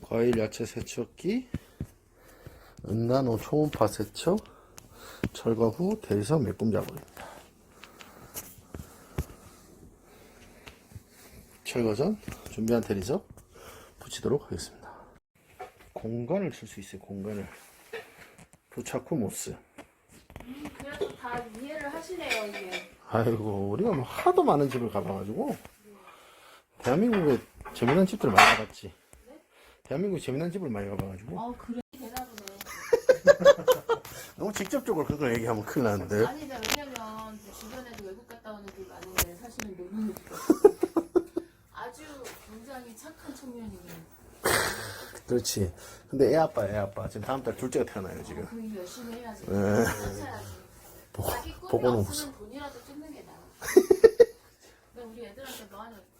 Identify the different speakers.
Speaker 1: 과일 야채 세척기, 은나노 초음파 세척, 철거 후 대리석 매꿈 작업입니다. 철거 전 준비한 대리석 붙이도록 하겠습니다. 공간을 쓸 수 있어요. 공간을. 부착 후 모스.
Speaker 2: 그래도 다 이해를 하시네요, 이게.
Speaker 1: 아이고, 우리가 뭐 하도 많은 집을 가봐가지고 대한민국에 재미난 집들을 많이 가봤지.
Speaker 2: 네?
Speaker 1: 대한민국에 재미난 집을 많이 가봐가지고
Speaker 2: 그래. 대답이네.
Speaker 1: 너무 직접적으로 그걸 얘기하면 큰일 나는데.
Speaker 2: 아니, 왜냐면 주변에도 외국 갔다 오는 분이 많은데 사실은 노는 아주 굉장히 착한 청년이에요.
Speaker 1: 그렇지. 근데 애 아빠 지금 다음 달 둘째가 태어나요 지금.
Speaker 2: 그 일 열심히 해야지.
Speaker 1: 네.
Speaker 2: 찾아야지. 자기 꿈이
Speaker 1: 보고는
Speaker 2: 없으면 돈이라도 찍는 게 나아. 근데 우리 애들한테 뭐 하는